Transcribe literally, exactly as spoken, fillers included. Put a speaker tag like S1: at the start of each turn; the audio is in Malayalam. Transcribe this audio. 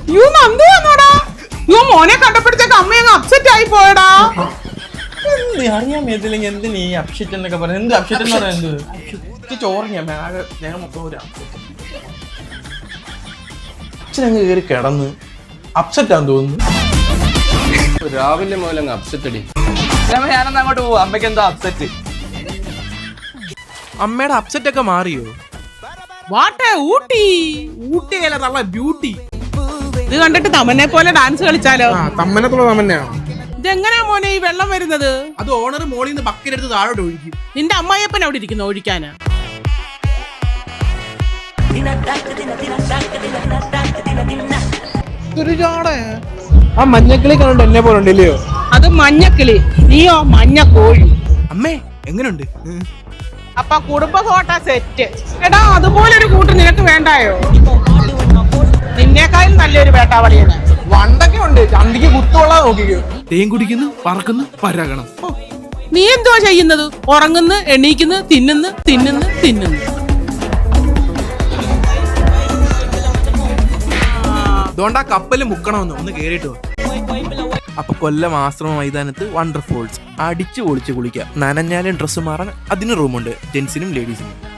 S1: യു നന്ദു വന്നോടാ. യു മോനെ കണ്ടപ്പോഴത്തേക്ക് അമ്മ അങ്ങ് അപ്സെറ്റ് ആയി പോയടാ.
S2: അറിയാൻ മേത്തില്ലെങ്കിൽ എന്തിന് ഈ അപ്ഷെറ്റ് എന്നൊക്കെ പറയുന്നത്? എന്ത് അപ്ഷെറ്റ് എന്ന് പറയുന്നത്? ചോറിഞ്ഞ ആകെ ഞാൻ മൊത്തം ഒരു അച്ഛനങ്ങ് കയറി കിടന്ന് അപ്സെറ്റ് ആണെന്ന് തോന്നുന്നു.
S3: രാവിലെ മുതൽ അങ്ങ് അപ്സെറ്റ് അടി.
S2: ഞാനൊന്ന് അങ്ങോട്ട് പോവാ. അമ്മയ്ക്ക് എന്താ അപ്സെറ്റ്? അമ്മയുടെ അപ്സെറ്റ് ഒക്കെ മാറിയോ?
S1: വാട്ടെ ഊട്ടി ഊട്ടിയിലെ നല്ല ബ്യൂട്ടി. ഇത് കണ്ടിട്ട് തമന്നെ പോലെ ഡാൻസ് കളിച്ചാലോ?
S2: തമ്മനത്തുള്ള തമ്മന്നെയാണ്.
S1: ഇതെങ്ങനെയാ മോനെ ഈ വെള്ളം വരുന്നത്?
S2: അത് ഓണർ മോളിൽ നിന്ന് ബക്കറ്റ് എടുത്ത് താഴോട്ട് ഒഴിക്കും.
S1: നിന്റെ അമ്മായിയപ്പൻ അവിടെ ഇരിക്കുന്നു ഒഴിക്കാനാ.
S2: ആ മഞ്ഞക്കിളി കണ്ടോ എന്നെ പോലെ ഉണ്ടല്ലയോ?
S1: അത് മഞ്ഞക്കിളി, നീയോ മഞ്ഞ കോഴി.
S2: അമ്മേ എങ്ങനെയുണ്ട്?
S1: അപ്പൊ കുടുംബ ഫോട്ടോ സെറ്റ്. എടാ അതുപോലൊരു കൂട്ട് നിനക്ക് വേണ്ടായോ? നിന്നേക്കാളും നല്ലൊരു വേട്ടാവളിയാണ്.
S2: വണ്ടൊക്കെ ഉണ്ട്, ചന്തിക്ക് കുത്തുള്ള നോക്കിക്കോ. തേൻ കുടിക്കുന്നു, പറക്കുന്നു, പരാഗണം.
S1: നീ എന്തുവാ ചെയ്യുന്നത്? ഉറങ്ങുന്നു, എണീക്കുന്നു, തിന്നുന്നു, തിന്നുന്നു, തിന്നുന്നു.
S2: അതുകൊണ്ടാ കപ്പല് മുക്കണമെന്ന് ഒന്ന് കേറിയിട്ട്. അപ്പൊ കൊല്ലം ആശ്രമ മൈതാനത്ത് വണ്ടർഫോൾസ് അടിച്ചു പൊളിച്ച് കുളിക്കാം. നനഞ്ഞാലും ഡ്രസ്സ് മാറാൻ അതിന് റൂമുണ്ട്, ജെന്റ്സിനും ലേഡീസിനും.